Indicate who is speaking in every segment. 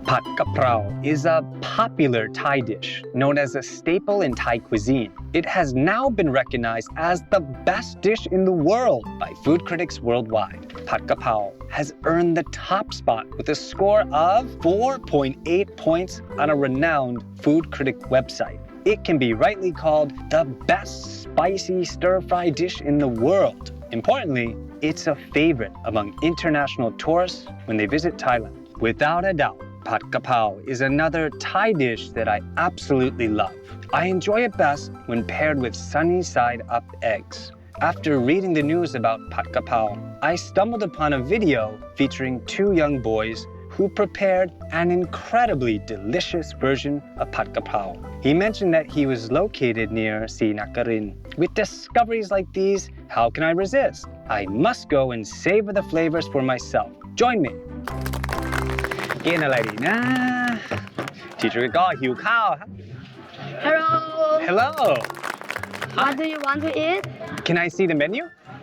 Speaker 1: Pad Kaprao is a popular Thai dish known as a staple in Thai cuisine. It has now been recognized as the best dish in the world by food critics worldwide. Pad Kaprao has earned the top spot with a score of 4.8 points on a renowned food critic website. It can be rightly called the best spicy stir-fry dish in the world. Importantly, it's a favorite among international tourists when they visit Thailand. Without a doubt, Pad Kaprao is another Thai dish that I absolutely love. I enjoy it best when paired with sunny side up eggs. After reading the news about Pad Kaprao, I stumbled upon a video featuring two young boys who prepared an incredibly delicious version of Pad Kaprao. He mentioned that he was located near Srinakarin. With discoveries like these, how can I resist? I must go and savor the flavors for myself. Join me. กินอะไรดีนะ Teacher ก็หิวข้าวครับ
Speaker 2: Hello.
Speaker 1: Hello.
Speaker 2: What do you want to eat?
Speaker 1: Can I see the menu?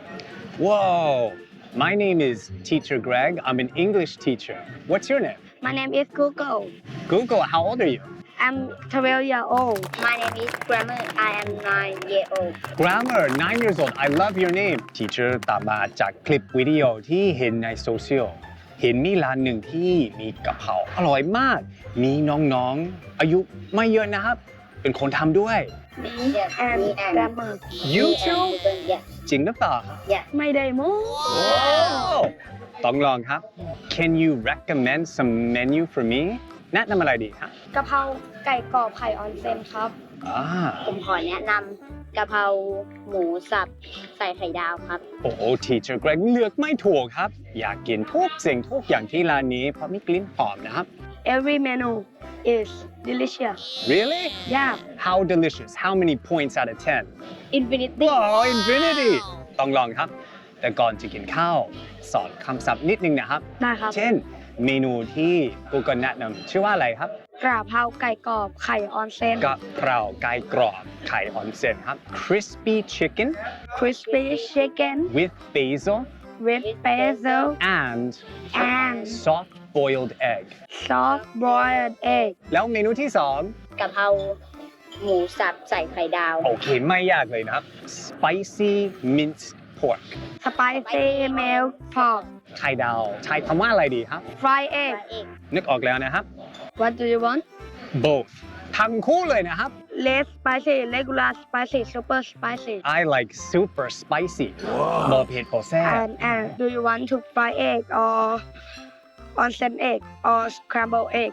Speaker 1: Whoa. My name is Teacher Greg. I'm an English teacher. What's your name?
Speaker 2: My name is Google.
Speaker 1: Google, how old are you?
Speaker 2: I'm 12 years old.
Speaker 3: My name is Grammar. I am 9 years old.
Speaker 1: Grammar, 9 years old. I love your name. Teacher ตามมาจากคลิปวิดีโอที่เห็นในโซเชียล เห็นมีร้านหนึ่งที่มีกะเพราอร่อยมาก มีน้องๆ อายุไม่เยอะนะครับ เป็นคนทำด้วย
Speaker 3: Yes,
Speaker 2: And
Speaker 3: me and
Speaker 2: grammar.
Speaker 1: You
Speaker 3: me and
Speaker 1: too?
Speaker 3: Google, yes,
Speaker 1: จริงหรือเปล่าครับ
Speaker 3: yes.
Speaker 2: ไม่ได้โม้
Speaker 1: Wow. ต้องลองครับ Can you recommend some menu for me แนะนำอะไรดีครับ
Speaker 2: กะเพราไก่กรอบไข่ออนเซนครับ
Speaker 3: ผมขอแนะนำกะเพราหมูสับใส่ไข่ดาวครับ
Speaker 1: โอ้โห Teacher Greg เลือกไม่ถูกครับ อยากกินทุกสิ่งทุกอย่างที่ร้านนี้เพราะมีกลิ่นหอมนะครับ
Speaker 2: Every menu is delicious.
Speaker 1: Really?
Speaker 2: Yeah.
Speaker 1: How delicious? How many points out of 10?
Speaker 3: Infinity
Speaker 1: Wow, infinity! ต้องลองครับ แต่ก่อนจะกินข้าวสอนคำศัพท์นิดนึงนะครับ
Speaker 2: ได้ครับ
Speaker 1: เช่น เมนูที่กูก็แนะนำชื่อว่าอะไรครับ
Speaker 2: กระเพราไก่กรอบไข่ออนเซน
Speaker 1: กะเพราไก่กรอบไข่ออนเซ็นครับ crispy chicken
Speaker 2: crispy chicken
Speaker 1: with basil
Speaker 2: with basil
Speaker 1: and
Speaker 2: and
Speaker 1: soft boiled egg
Speaker 2: soft boiled egg
Speaker 1: แล้วเมนูที่สอง
Speaker 3: กะเพราหมูสับใส่ไข่ดาว
Speaker 1: โอเคไม่ยากเลยนะครับ spicy minced pork
Speaker 2: spicy milk pork
Speaker 1: ไข่ดาวใช้คำว่าอะไรดีครับ
Speaker 2: fried egg
Speaker 1: นึกออกแล้วนะครับ
Speaker 2: What do you want
Speaker 1: both ทั้งคู่เลยนะครับ
Speaker 2: less spicy regular spicy super spicy
Speaker 1: I like super spicy บอเผ็ดบอแซ่บ
Speaker 2: and do you want to fry egg or onsen egg or scrambled egg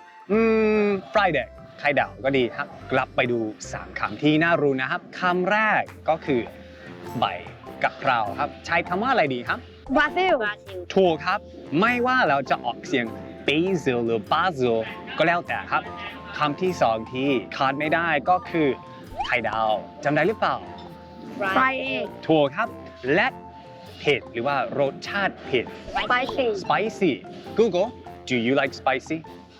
Speaker 1: fried egg ไข่ดาวก็ดีครับ กลับไปดู3คำที่น่ารู้นะครับคำแรกก็คือใบกะเพราครับ ใช้คำว่าอะไรดีครับ
Speaker 2: basil
Speaker 3: บราซิล
Speaker 1: ถูกครับ ไม่ว่าเราจะออกเสียง basil หรือ basil ก็แล้วแต่ครับคำที่สองที่ขาดไม่ได้ก็คือไข่ดาวจำได้หรือเปล่า
Speaker 2: fried egg
Speaker 1: ถูกครับ และเผ็ดหรือว่ารสชาติเผ็ด
Speaker 2: spicy
Speaker 1: spicy Google do you like spicy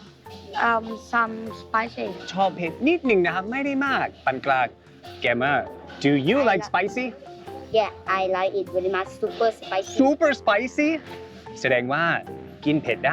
Speaker 2: some spicy
Speaker 1: ชอบเผ็ดนิดหนึ่งนะครับ ไม่ได้มากปานกลาง Gamer do you like spicy
Speaker 3: Yeah I like it very much super spicy
Speaker 1: super spicy แสดงว่ากินเผ็ดได้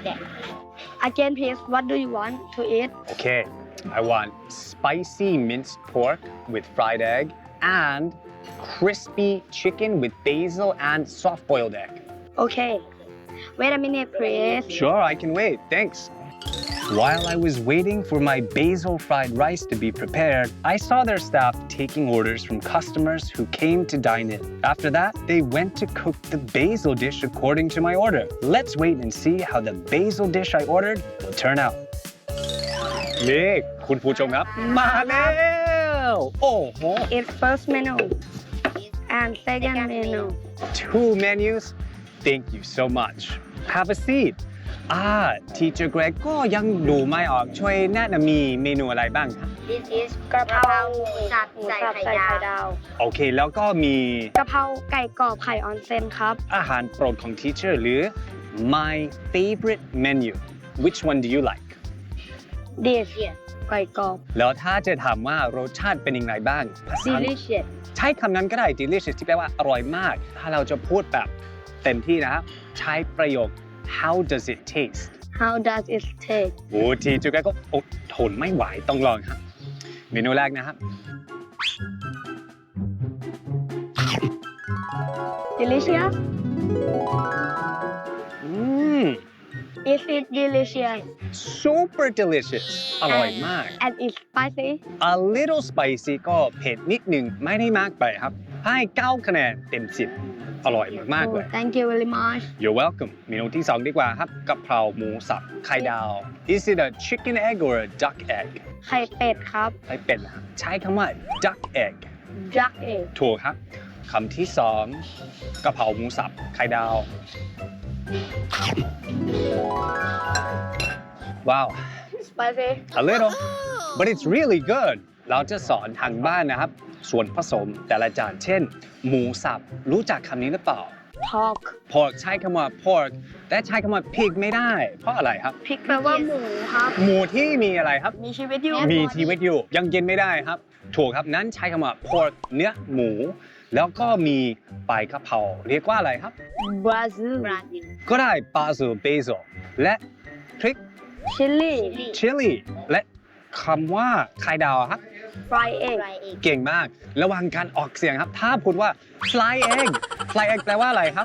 Speaker 2: again please what do you want to eat
Speaker 1: Okay I want spicy minced pork with fried egg and crispy chicken with basil and soft boiled egg
Speaker 2: okay wait a minute please
Speaker 1: Sure I can wait thanks While I was waiting for my basil fried rice to be prepared, I saw their staff taking orders from customers who came to dine in. After that, they went to cook the basil dish according to my order. Let's wait and see how the basil dish I ordered will turn out. นี่คุณผู้ชมครับ มาแล้วโอ้โห
Speaker 2: it's first menu and second menu
Speaker 1: Two menus. Thank you so much. Have a seat. Teacher Greg ก็ยังดูไม่ออกช่วยแนะนำมีเมนูอะไรบ้างครับ
Speaker 3: This is
Speaker 2: กระเพรา
Speaker 3: หมูสับ
Speaker 2: หมู
Speaker 3: ใส่
Speaker 2: สับ
Speaker 3: ไข่
Speaker 2: ใส่
Speaker 3: ดา
Speaker 2: ไข่
Speaker 3: ว
Speaker 2: ดาว
Speaker 1: โอเคแล้วก็มี
Speaker 2: กะเพราไก่กรอบไข่ออนเซนครับ
Speaker 1: อาหารโปรดของ Teacher หรือ my favorite menu which one do you like
Speaker 2: this ไก่กรอบ
Speaker 1: แล้วถ้าจะถามว่ารสชาติเป็นยังไงบ้างภาษา
Speaker 3: delicious
Speaker 1: ใช้คำนั้นก็ได้ delicious ที่แปลว่าอร่อยมาก ถ้าเราจะพูดแบบเต็มที่นะครับใช้ประโยค how does it taste
Speaker 2: How does it taste
Speaker 1: โอ้ทีจูแกก็อดทนไม่ไหวต้องลองครับ เมนูแรกนะครับ
Speaker 2: delicious
Speaker 1: อืม
Speaker 2: is it delicious
Speaker 1: super delicious อร่อยมาก
Speaker 2: and it's spicy
Speaker 1: a little spicy ก็เผ็ดนิดหนึ่งไม่ได้มากไปครับ ให้9คะแนนเต็ม 10 อร่อยมากๆ
Speaker 2: oh,
Speaker 1: เลย
Speaker 2: thank you very much
Speaker 1: You're welcome เมนูที่ 2 ดีกว่าครับกะเพราหมูสับไข่ดาว Is it a chicken egg or a duck egg
Speaker 2: ไข่เป็ดครับ
Speaker 1: ไข่เป็ดนะครับใช้คำว่า duck egg
Speaker 2: duck egg
Speaker 1: ถูกครับคำที่ 2กะเพราหมูสับไข่ดาว ว้าว
Speaker 2: spicy
Speaker 1: a little but it's really good เราจะสอนทางบ้านนะครับ ส่วนผสมแต่ละจานเช่น หมูสับรู้จักคำนี้หรือเปล่า
Speaker 2: pork
Speaker 1: pork ใช้คำว่า pork แต่ใช้คำว่า pig ไม่ได้ เพราะอะไรครับ
Speaker 2: พริกแปลว่าหมูครับ
Speaker 1: หมูที่มีอะไรครับ
Speaker 2: มีชีวิตอยู่
Speaker 1: มีชีวิตอยู่ยังกินไม่ได้ครับ ถูกครับนั้นใช้คำว่า pork เนื้อหมู แล้วก็มีใบกะเพราเรียกว่าอะไรครับ
Speaker 2: Brazil
Speaker 3: บราซิล
Speaker 1: ก็ได้ basil และพริก
Speaker 2: chili
Speaker 1: chili และคำว่าไข่ดาวครับ
Speaker 2: fry egg
Speaker 3: ไรเอก
Speaker 1: เก่งมาก ระวังการออกเสียงครับ ถ้าพูดว่า fly egg fly egg แปลว่าอะไรครับ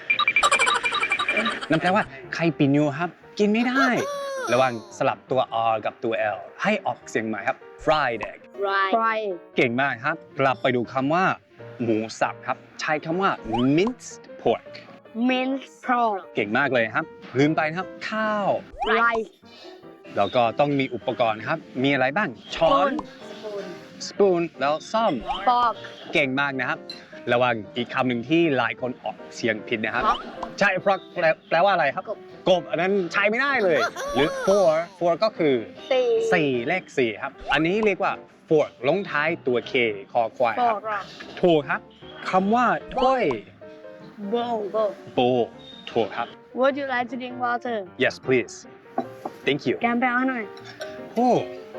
Speaker 1: นั่นแปลว่าไข่ปิญูครับ กินไม่ได้ ระวังสลับตัว R กับตัว L ให้ออกเสียงใหม่ครับ fried egg
Speaker 3: ไร
Speaker 2: fry egg
Speaker 1: เก่งมากครับ กลับไปดูคำว่า หมูสับครับ ใช้คำว่า minced pork
Speaker 2: minced pork
Speaker 1: เก่งมากเลยครับ ลืมไปนะครับ ข้าว
Speaker 2: rice
Speaker 1: แล้วก็ต้องมีอุปกรณ์ครับ มีอะไรบ้าง ช้อน
Speaker 3: สปูน
Speaker 1: สปูน แล้วซ่อม
Speaker 2: fork
Speaker 1: เก่งมากนะครับ ระวังอีกคำหนึ่งที่หลายคนออกเสียงผิดนะครับ
Speaker 2: ครับ
Speaker 1: ใช่ frog แปลว่าอะไรครับ กบ อันนั้นใช้ไม่ได้เลย หรือ four ก็คือ 4 เลข 4 ครับ อันนี้เรียกว่า fork ลงท้ายตัว K คอควายครับ
Speaker 2: fork
Speaker 1: ถูกครับคำว่าถ้วย
Speaker 2: bowl
Speaker 1: โบถูกครับ
Speaker 2: would you like to drink water
Speaker 1: yes please thank you
Speaker 2: แกมแปลว่าหน่อย
Speaker 1: oh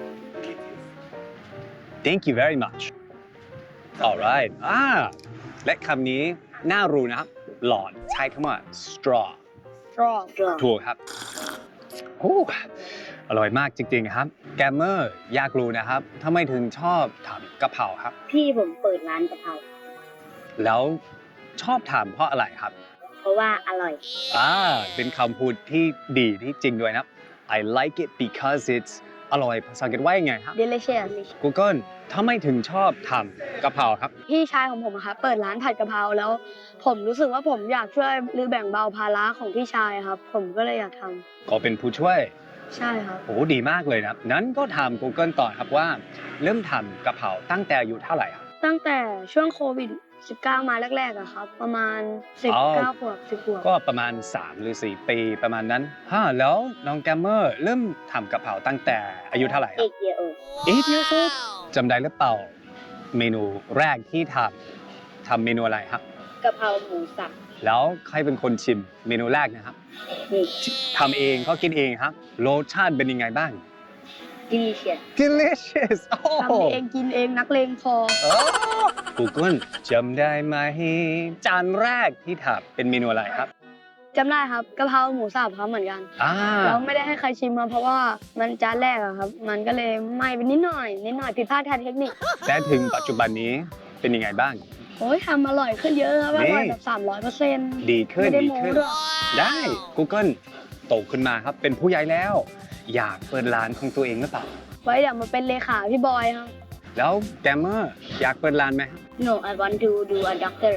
Speaker 1: thank you very much alright และคำนี้น่ารู้นะครับ หลอดใช้คำว่า straw
Speaker 2: straw
Speaker 1: ถูกครับโอ้อร่อยมากจริงๆครับ แกมเมอร์อยากรู้นะครับทำไมถึงชอบทำกะเพราครับ
Speaker 3: พี่ผมเปิดร้านกะเพรา
Speaker 1: แล้วชอบทำเพราะอะไรครับ
Speaker 3: เพราะว่าอร่อย
Speaker 1: เป็นคำพูดที่ดีที่จริงด้วยนะครับ I like it because it's อร่อยภาษาอังกฤษว่ายังไงครับ
Speaker 2: delicious
Speaker 1: Google ทำไมถึงชอบทำกะเพราครับ
Speaker 2: พี่ชายของผมอะครับเปิดร้านผัดกะเพราแล้ว ผมรู้สึกว่าผมอยากช่วยหรือแบ่งเบาภาระของพี่ชายครับ ผมก็เลยอยากทำ
Speaker 1: ก็เป็นผู้ช่วย
Speaker 2: ใช่ครับ
Speaker 1: โอ้ดีมากเลยนะครับ นั้นก็ถาม Google ต่อครับว่า เริ่มทำกะเพราตั้งแต่อายุเท่าไหร่ครับ
Speaker 2: ตั้งแต่ช่วงโควิด 19 มาแรกๆอะครับ ประมาณ 19 ขวบ 10 ขวบ
Speaker 1: ก็ประมาณ 3 หรือ 4 ปีประมาณนั้นแล้วน้องแกมเมอร์เริ่มทำกะเพราตั้งแต่อายุเท่าไหร่ค
Speaker 3: เอ
Speaker 1: รับ
Speaker 3: กเยโอ
Speaker 1: 8 years old จำได้หรือเปล่าเมนูแรกที่ทำเมนูอะไรครับ
Speaker 3: กะเพราหมูสับ
Speaker 1: แล้วใครเป็นคนชิมเมนูแรกนะครับ
Speaker 3: นี่
Speaker 1: ทำเองก็กินเองครับรสชาติเป็นยังไงบ้าง
Speaker 3: delicious
Speaker 1: delicious โอ้
Speaker 2: ทำเองกินเองนักเลงพอ
Speaker 1: Google จำได้ไหมจานแรกที่ทำเป็นเมนูอะไรครับ
Speaker 2: จำได้ครับกะเพราหมูสับครับเหมือนกัน แล้วไม่ได้ให้ใครชิมมาเพราะว่ามันจานแรกอะครับ มันก็เลยไหม้ไปนิดหน่อยผิดพลาดทางเทคนิค
Speaker 1: แต่ถึงปัจจุบันนี้เป็นยังไงบ้าง
Speaker 2: โอ้ยทำอร่อยขึ้นเยอะครับอร่อยแบบ 300%
Speaker 1: ดีขึ้น
Speaker 2: ไม่ได้
Speaker 1: ดี
Speaker 2: โม้
Speaker 1: ขึ้น
Speaker 2: ด้วย
Speaker 1: ได้ Google โตขึ้นมาครับเป็นผู้ใหญ่แล้ว อยากเปิดร้านของตัวเองหรือเปล่า
Speaker 2: ไว้เดี๋ยวมาเป็นเลขาพี่บอยครับ
Speaker 1: แล้วแกมเมอร์อยากเปิดร้านไหมครับ
Speaker 3: no I want to do a doctor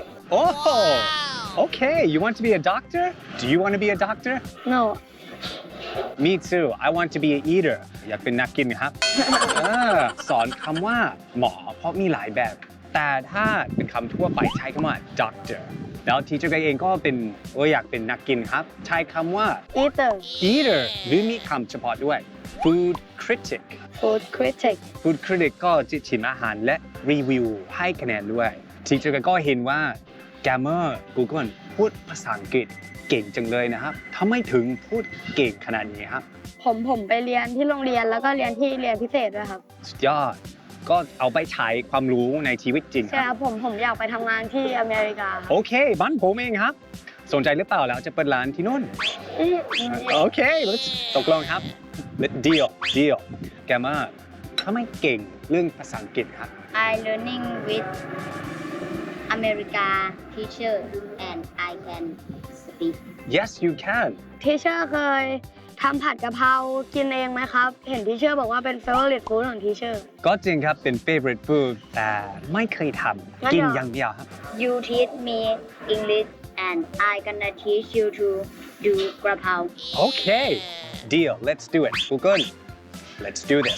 Speaker 1: Okay you want to be a doctor Do you want to be a doctor
Speaker 2: no
Speaker 1: Me too I want to be an eater อยากเป็นนักกินครับ สอนคำว่าหมอเพราะมีหลายแบบ แต่ถ้าเป็นคำทั่วไปใช้คำว่า doctor แล้วทีเจอร์เองก็เป็นอยากเป็นนักกินครับ ใช้คำว่า
Speaker 2: eater
Speaker 1: eater หรือมีคำเฉพาะด้วย food critic
Speaker 2: food critic
Speaker 1: food critic ก็จะชิมอาหารและรีวิวให้คะแนนด้วยทีเจอร์ก็เห็นว่า Gamer Google พูดภาษาอังกฤษเก่งจังเลยนะครับทำไมถึงพูดเก่งขนาดนี้ครับ
Speaker 2: ผมไปเรียนที่โรงเรียนแล้วก็เรียนที่เรียนพิเศษด้วยครับ
Speaker 1: สุดยอดก็เอาไปใช้ความรู้ในชีวิตจริงค
Speaker 2: ใช่ค
Speaker 1: รั
Speaker 2: รับ บผมอยากไปทำงานที่อเมริกาครับ
Speaker 1: โอเคบ้านผมเองครับ สนใจหรือเปล่าแล้วจะเปิดร้านที่นู่น Okay let's ตกลงครับ deal แกมาทำไมเก่งเรื่องภาษาอังกฤษครับ
Speaker 3: I learning with America teacher and I can speak
Speaker 1: Yes you can
Speaker 2: ทีเชอร์เคยทำผัดกะเพรากินเองไหมครับ เห็นทีเชอร์บอกว่าเป็น favorite food ของทีเชอร์
Speaker 1: ก็จริงครับเป็น favorite food แต่ไม่เคยทำกินอย่างเดียวครับ
Speaker 3: You teach me English and I gonna teach you to do กระเพรา
Speaker 1: Okay deal let's do it Google let's do this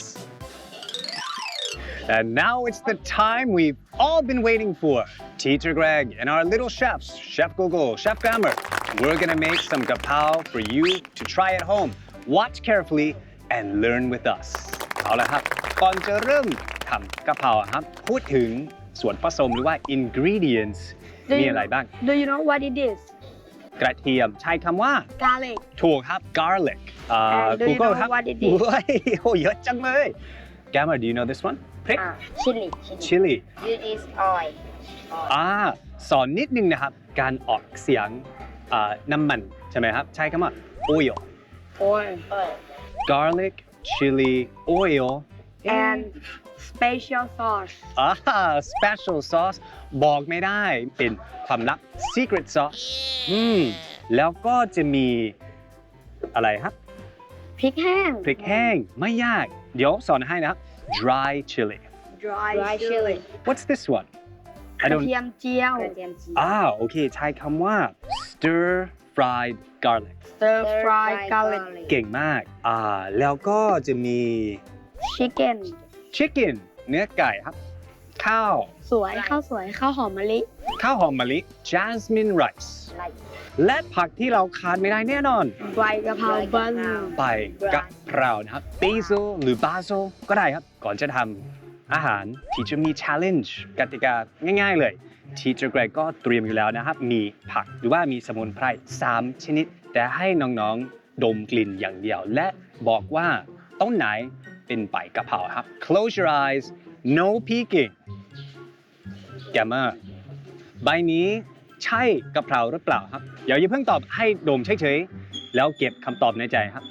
Speaker 1: And now it's the time we've all been waiting for. Teacher Greg and our little chefs, Chef Google, Chef Grammar, we're gonna make some gapao for you to try at home. Watch carefully and learn with us. เอาละครับก่อนจะเริ่มทำกะเพราครับพูดถึงส่วนผสมหรือว่า ingredients มีอะไรบ้าง
Speaker 2: Do you know what it is
Speaker 1: กระเทียมใช้คำว่า
Speaker 2: garlic
Speaker 1: ถูกครับ garlic
Speaker 2: And do you
Speaker 1: Google
Speaker 2: know
Speaker 1: ครับ
Speaker 2: what it is?
Speaker 1: โอ้ยโอ้เยอะจังเลย Gamma do you know this one พริก
Speaker 3: chili
Speaker 1: chili
Speaker 3: This is oil
Speaker 1: สอนนิดนึงนะครับ การออกเสียงน้ำมันใช่ไหมครับ ใช้คำว่า oil
Speaker 2: oil
Speaker 1: garlic chili oil
Speaker 2: and special sauce
Speaker 1: special sauce บอกไม่ได้เป็นความลับ secret sauce แล้วก็จะมีอะไรครับ
Speaker 2: พริกแห้ง
Speaker 1: พริกแห้งไม่ยาก เดี๋ยวสอนให้นะครับ dry chili
Speaker 2: dry
Speaker 3: chili
Speaker 1: what's this one
Speaker 2: กระเทียมเจียว
Speaker 3: กระเทียมเจียว
Speaker 1: โอเคใช้คำว่า stir fried garlic
Speaker 2: stir fry garlic
Speaker 1: เก่งมากแล้วก็จะมี
Speaker 2: chicken
Speaker 1: chicken เนื้อไก่ครับ ข้าว
Speaker 2: สวยข้าวสวยข้าวหอมมะลิ
Speaker 1: ข้าวหอมมะลิ jasmine rice และผักที่เราขาดไม่ได้แน่นอน
Speaker 2: ใบกะเพราบัน
Speaker 1: ใบกะเพรานะครับ basil หรือ basil ก็ได้ครับ ก่อนจะทำอาหาร teacher มี challenge กติกาง่ายๆเลย teacher Greg ก็เตรียมอยู่แล้วนะครับ มีผักหรือว่ามีสมุนไพร3 ชนิด แต่ให้น้องๆ ดมกลิ่นอย่างเดียว และบอกว่าต้นไหนเป็นใบกะเพราครับ close your eyes no peeking แกมเมอร์ใบนี้ใช่กะเพราหรือเปล่าครับอย่าเพิ่งตอบให้ดมเฉยๆแล้วเก็บคำตอบในใจครับ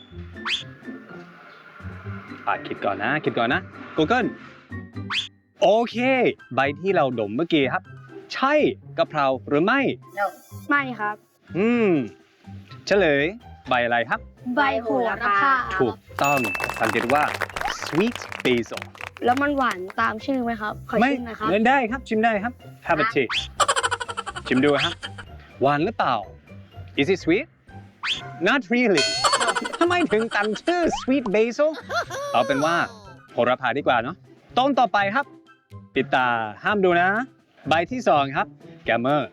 Speaker 1: คิดก่อนนะ Google โอเคใบที่เราดมเมื่อกี้ครับ ใช่กะเพราหรือไม่
Speaker 3: No
Speaker 2: ไม่ครับ
Speaker 1: เฉลยใบอะไรครับ
Speaker 2: ใบโหระพา
Speaker 1: ถูกต้องสังเกตว่า sweet basil
Speaker 2: แล้วมันหวานตามชื่อไหมครับ ขอ
Speaker 1: ไม่
Speaker 2: ชิมหน่อยครับ
Speaker 1: ได้ครับชิมได้ครับ have a taste ชิมดูครับหวานหรือเปล่า is it sweet not really ทำไมถึงตั้งชื่อ sweet basil เอาเป็นว่าโหระพาดีกว่าเนาะต้นต่อไปครับ ปิดตาห้ามดูนะ ใบที่2ครับแกมเมอร์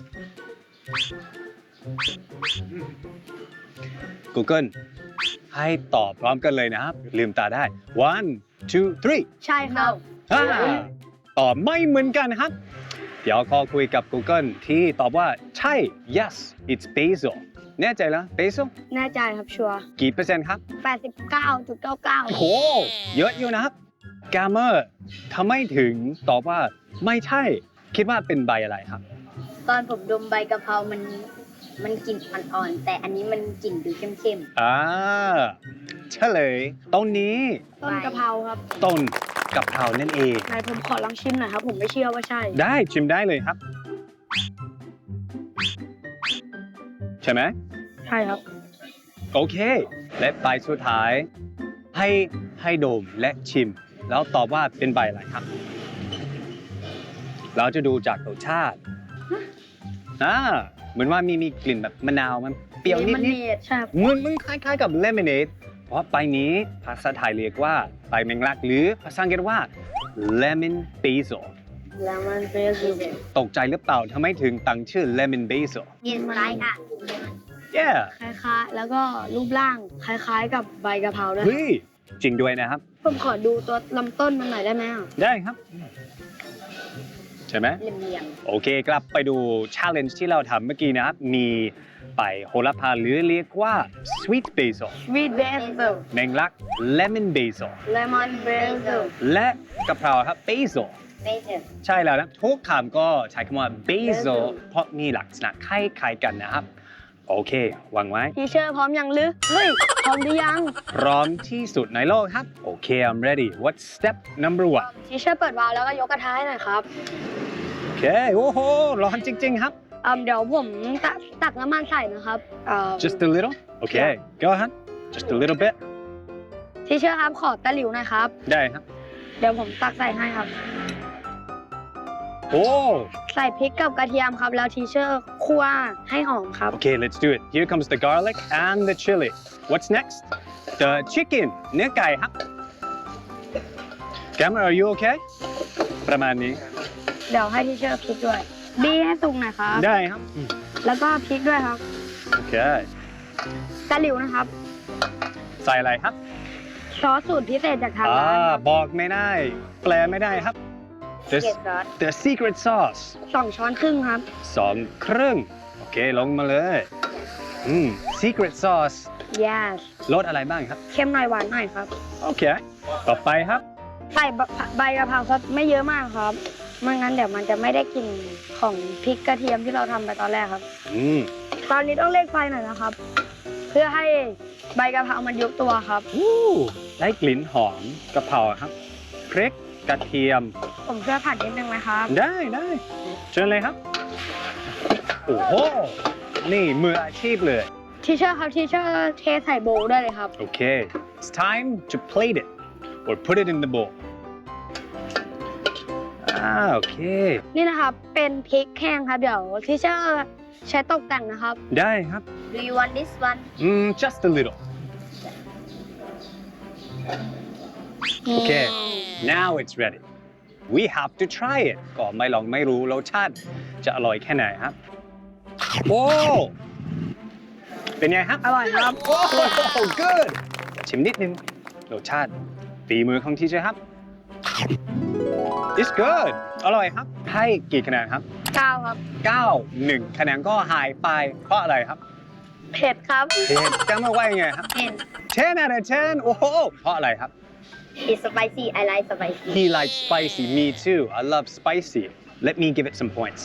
Speaker 1: Google ให้ตอบพร้อมกันเลยนะครับ ลืมตาได้ one two three
Speaker 2: ใช่ครับ
Speaker 1: ตอบไม่เหมือนกันครับ เดี๋ยวขอคุยกับ Google ที่ตอบว่าใช่ yes it's basil แน่ใจแล้ว basil
Speaker 2: แน่ใจครับชัวร์
Speaker 1: กี่เปอร์เซ็นต์ครับ
Speaker 2: 89.99
Speaker 1: โอ้โห เยอะอยู่นะครับกาเมอร์ทำไมถึงตอบว่าไม่ใช่ คิดว่าเป็นใบอะไรครับ
Speaker 3: ตอนผมดมใบกะเพรามันกลิ่นอ่อนๆแต่อันนี้มันกลิ่นดูเข้ม
Speaker 1: เฉลยต้นนี้
Speaker 2: ต้นกะเพราครับ
Speaker 1: ต้นกะเพรานั่นเอง
Speaker 2: ไหนผมขอลองชิมหน่อยครับ ผมไม่เชื่อว่าใช่
Speaker 1: ได้ชิมได้เลยครับ ใช่ไหม
Speaker 2: ใช่ครับ
Speaker 1: โอเค และใบสุดท้าย ให้ดมและชิม แล้วตอบว่าเป็นใบอะไรครับ เราจะดูจากรสชาติเหมือนว่ามีกลิ่นแบบมะนาวมันเปรี้ยวนิด
Speaker 2: lemonade ใช่ครับ
Speaker 1: ๆมันคล้ายๆกับ lemonade เพราะใบนี้ภาษาไทยเรียกว่าใบแมงลักหรือภาษาอังกฤษว่า lemon basil
Speaker 2: lemon basil
Speaker 1: ตกใจหรือเปล่าทำไมถึงตั้งชื่อ lemon basil
Speaker 3: ๆกินไรค่ะ
Speaker 1: yeah
Speaker 2: คล้ายๆ แล้วก็รูปร่างคล้ายๆ กับใบกะเพราด้วย
Speaker 1: เฮ้ยจริงด้วยนะครับ
Speaker 2: ผมขอดูตัวลำต้นมันหน่อยได้ไหมอ่ะ
Speaker 1: ได้ครับ ใช่ไหม
Speaker 3: เหลี่ยม
Speaker 1: โอเคกลับไปดู challenge ที่เราทำเมื่อกี้นะครับ มีใบโหระพาหรือเรียกว่า sweet basil
Speaker 2: sweet basil
Speaker 1: แมงลัก lemon basil
Speaker 2: lemon basil
Speaker 1: และกะเพราครับ basil
Speaker 3: ๆไม่เจอ
Speaker 1: ใช่แล้วนะทุกคำก็ใช้คำว่า basil เพราะมีลักษณะคล้ายๆกันนะครับโอเควางไว้
Speaker 2: ทีเชอร์พร้อมยังหรือเฮ้ยพร้อมหรือยัง
Speaker 1: พร้อมที่สุดในโลกครับ โอเค I'm ready What's step number one
Speaker 2: ทีเชอร์เปิดวาล์วแล้วก็ยกกระทะให้หน่อยครับ
Speaker 1: โอเค โอ้โห ร้อนจริง ๆ ครับ
Speaker 2: เดี๋ยวผมตักน้ำมันใส่นะครับ
Speaker 1: Just a little Okay go ahead Just a little bit
Speaker 2: ทีเชอร์ครับขอตะหลิวหน่อยครับ
Speaker 1: ได้ครับ
Speaker 2: เดี๋ยวผมตักใส่ให้ครับ
Speaker 1: โอ้
Speaker 2: ใส่พริกกับกระเทียมครับ แล้วทีเชอร์คั่วให้หอมครับ
Speaker 1: Okay let's do it Here comes the garlic and the chili What's next The chicken เนื้อไก่ครับ Gamma are you okay ประมาณนี้
Speaker 2: เดี๋ยวให้ทีเชอร์พริกด้วยบี้ให้สุกหน่อยครับ
Speaker 1: ได้ครับ
Speaker 2: แล้วก็พริกด้วยครับ
Speaker 1: โอเค
Speaker 2: ตะหลิวนะครับ
Speaker 1: ใส่อะไรครับ
Speaker 2: ซอสสูตรพิเศษจากทางร้านครับ
Speaker 1: บอกไม่ได้ แปลไม่ได้ครับ The
Speaker 3: เกล็ดซอส
Speaker 1: The secret sauce
Speaker 2: 2 ช้อนครึ่งครับ
Speaker 1: 2 ครึ่ง โอเค ลงมาเลย secret sauce
Speaker 2: yes
Speaker 1: รสอะไรบ้างครับ
Speaker 2: เค็มหน่อยหวานหน่อยครับ
Speaker 1: โอเค ต่อไปครับ
Speaker 2: ใส่ใบกะเพราซอสไม่เยอะมากครับไม่งั้นเดี๋ยวมันจะไม่ได้กลิ่นของพริกกระเทียมที่เราทำไปตอนแรกครับ ตอนนี้ต้องเร่งไฟหน่อยนะครับ เพื่อให้ใบกะเพรามันยุบตัวครับ
Speaker 1: ได้กลิ่นหอมกะเพราครับ พริกกระเทียม
Speaker 2: ผมช่วยผัดนิดนึงไหมครับ
Speaker 1: ได้เชิญเลยครับ โอ้โห นี่มืออาชีพเลย
Speaker 2: ทีเชอร์ครับทีเชอร์เทใส่โบว์ได้เลยครับ
Speaker 1: โอเค it's time to plate it or put it in the bowl โอเค
Speaker 2: นี่นะครับเป็นพริกแห้งครับ เดี๋ยวทีเชอร์ใช้ตกแต่งนะครับ
Speaker 1: ได้ครับ
Speaker 3: Do you want this one
Speaker 1: just a little Okay now it's ready we have to try it ก็ไม่ลองไม่รู้รสชาติจะอร่อยแค่ไหนครับ โอ้เป็นไงครับ
Speaker 2: อร่อยครับ
Speaker 1: โอ้ good ชิมนิดนึงรสชาติฝีมือของทีเจครับ it's good อร่อยครับ ให้กี่คะแนนครับ
Speaker 2: 9 ครับ
Speaker 1: 9 1 คะแนนก็หายไปเพราะอะไรครับ
Speaker 2: เผ็ดครับ
Speaker 1: เผ็ดจะมาว่ายังไงครับ 10 out of 10 โอ้โห เพราะอะไรครับ
Speaker 3: It's spicy I like spicy
Speaker 1: He likes spicy me too I love spicy Let me give it some points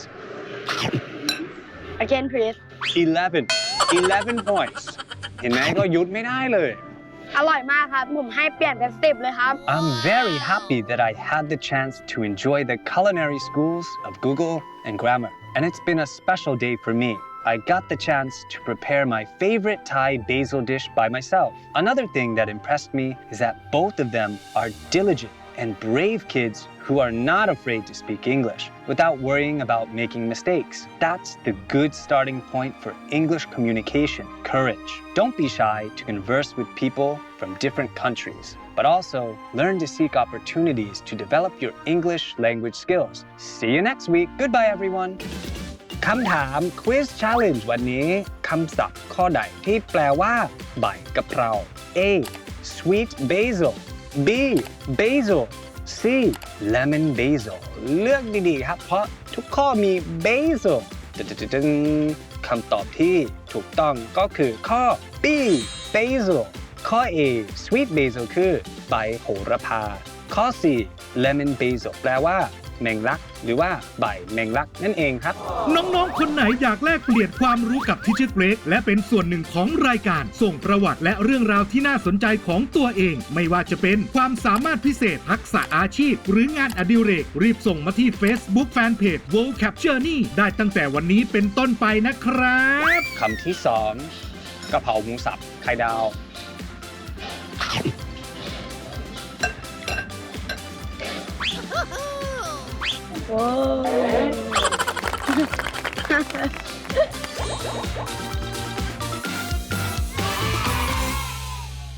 Speaker 2: again please
Speaker 1: 11 points เห็นไหมก็หยุดไม่ได้เลย
Speaker 2: อร่อยมากครับ ผมให้เปลี่ยนเป็น10เลยครับ
Speaker 1: I'm very happy that I had the chance to enjoy the culinary schools of Google and Grammar and it's been a special day for me I got the chance to prepare my favorite Thai basil dish by myself. Another thing that impressed me is that both of them are diligent and brave kids who are not afraid to speak English without worrying about making mistakes. That's the good starting point for English communication, courage. Don't be shy to converse with people from different countries, but also learn to seek opportunities to develop your English language skills. See you next week. Goodbye, everyone. คำถาม Quiz Challenge วันนี้คำศัพท์ข้อใดที่แปลว่าใบกะเพรา A sweet basil B basil C lemon basil เลือกดีๆครับเพราะทุกข้อมี basil คำตอบที่ถูกต้องก็คือข้อ B basil ข้อ A sweet basil คือใบโหระพาข้อ C lemon basil แปลว่าแมงลักหรือว่าใบแมงลักนั่นเองครับ
Speaker 4: น้องๆ คนไหนอยากแลกเปลี่ยนความรู้กับทิชเชอร์เกรกและเป็นส่วนหนึ่งของรายการส่งประวัติและเรื่องราวที่น่าสนใจของตัวเอง ไม่ว่าจะเป็นความสามารถพิเศษทักษะอาชีพ หรืองานอดิเรกรีบส่งมาที่ Facebook Fanpage World Capture นี่ได้ตั้งแต่วันนี้เป็นต้นไปนะครับ
Speaker 1: คำที่ 2กะเพราหมูสับไข่ดาว